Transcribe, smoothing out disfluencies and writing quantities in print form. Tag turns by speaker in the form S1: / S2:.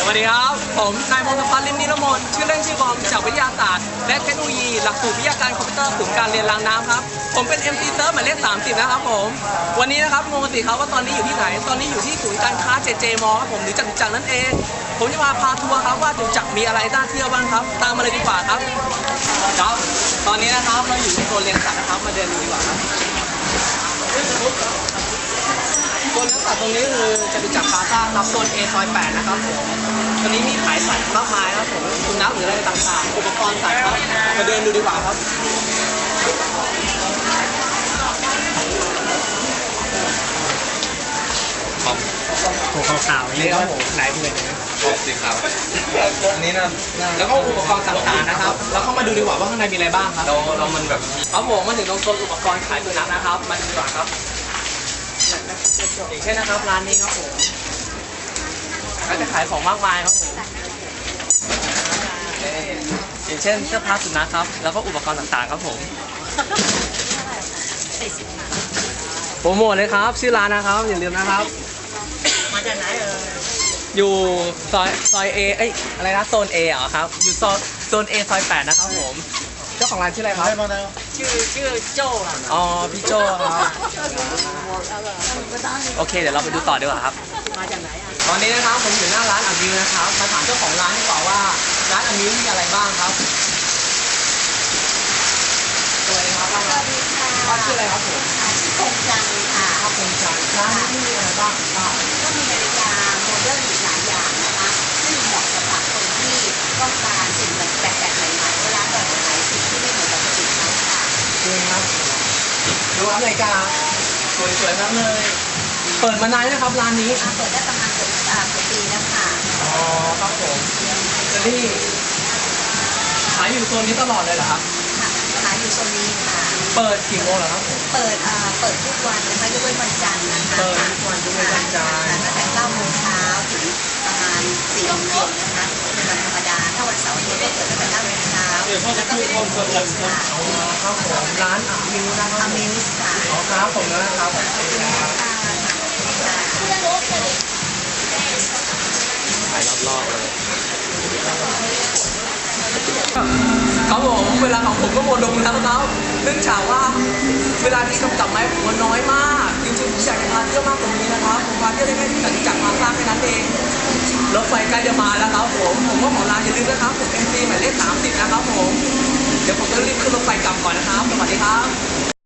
S1: วัสดีครับผมนายพงศพัฒน์ ลิ้มนิรมนชื่อเล่นชื่อบอมจากวิทยาศาสตร์และเทคโนโลยีหลักสูตรวิทยาการคอมพิวเตอร์ศูนย์การเรียนรางน้ำครับผมเป็น MC เซิร์ฟหมายเลข30นะครับผมวันนี้นะครับงงสิครับว่าตอนนี้อยู่ที่ไหนตอนนี้อยู่ที่ศูนย์การค้า JJ Mall ครับผมหรือจตุจักรนั่นเองผมจะมาพาทัวร์ครับว่าจตุจักรมีอะไรน่าเที่ยวบ้างครับตามมาเลยดีกว่าครับครับตอนนี้นะครับเราอยู่ในโซนเลี้ยงสัตว์นะครับมาเดินดูดีกว่าครับโซนเลี้ยงสัตว์ตรงนี้คือจตุจักรพลาซ่าครับโซน A ซอย 8นะครับผมตอนนี้มีขายสัตว์มากมายครับผมสุนัขหรืออะไรต่างๆอุปกรณ์สัตว์ครับมาเดินดูดีกว่าครับ
S2: ตัวขาวๆนี่ครับผมไหนเป็น
S3: สีขาว
S1: อันนี้นะแล้วก็อุปกรณ์ต่างๆนะครับแล้วเข้ามาดูดีกว่าว่าข้างในมีอะไรบ้างครับ
S3: เรามันแบบ
S1: ครับผมมาถึงตรงโซนอุปกรณ์ขายสุนัขนะครับมาดูดีกว่าครับอย่างเช่นนะครับร้านนี้ครับผมก็จะขายของมากมายครับผมอย่างเช่นเสื้อผ้าสุนัขครับแล้วก็อุปกรณ์ต่างๆครับผมโปรโมทเลยครับชื่อร้านนะครับอย่าลืมนะครับ
S2: มาจากไหน
S1: อยู่ซอย A เอ้ยอะไรนะโซน A เหรอครับอยู่โซน A ซอย 8นะครับผมเจ้าของร้านชื่ออะไรครับ
S2: ชื่อโจ้ครับ
S1: อ๋อพี่โจ้ครับโอเคเดี๋ยวเราไปดูต่อดีกว่าครับ
S2: มาจากไหน
S1: ตอนนี้นะครับผมอยู่หน้าร้านอามิวนะครับมาถามเจ้าของร้านดีกว่าว่าร้านอามิวมีอะไรบ้างครับสวัสดีครับสวัสดีค่ะชื่ออะไรครับผม
S4: ชื่อคงจังค่ะ
S1: คงจังร้านนี้มีอะไรบ้างครับ
S4: ก็มีนาฬิกาโมเดิร์นหลายอย่างนะคะซึ่งเหมาะสำหรับคนที่ต้องการสิ่งแปลกๆใหม่ๆเวลาเปิดขายสิ่งที่ไม่เหมือนปกติเขาค่ะ
S1: จริงครับดูครับนาฬิกาสวยๆทั้งเลยเปิดมานานแล้วครับร้านนี้
S4: เปิดได้ประมาณเกือบปีแล้วค่ะ
S1: อ๋อครับผมแล้วนี่ขายอยู่โซนนี้ตลอดเลยเหรอครับ
S4: ขายอยู่โซนนี้ค่ะ
S1: เปิดกี่โมงเหรอครับผม
S4: เปิดทุกวันนะคะยกเว้นวันจันทร์นะคะ
S1: เปิดทุกวันยกเว้นวันจันทร์
S4: ตั้งแต่9 โมงเช้าถึงประมาณ4 โมงเย็นนะคะเป็นวันธรรมดาถ้าวันเสาร์อาทิตย์ก็เปิดตั้งแต่9 โมงเช้าแล้วก็เป็นวันศุกร์ค่ะ
S1: ครับผมร้านอามิวนะครับ
S4: อามิวค่ะ
S1: อ๋อครับผมนะครับขายรอบๆเลยครับผมเวลาของผมก็หมดลงแล้วครับเนื่องจากว่าเวลาที่กำกับไม้ผมมันน้อยมากจริงๆผมอยากจะพาเที่ยวมากกว่านี้นะครับผมพาเที่ยวได้แค่ที่จตุจักรพลาซ่าแค่นั้นเองรถไฟใกล้จะมาแล้วครับผมก็ขอลาอย่าลืมนะครับผม MC หมายเลข30นะครับผมเดี๋ยวผมจะรีบขึ้นรถไฟกลับก่อนนะครับสวัสดีครับ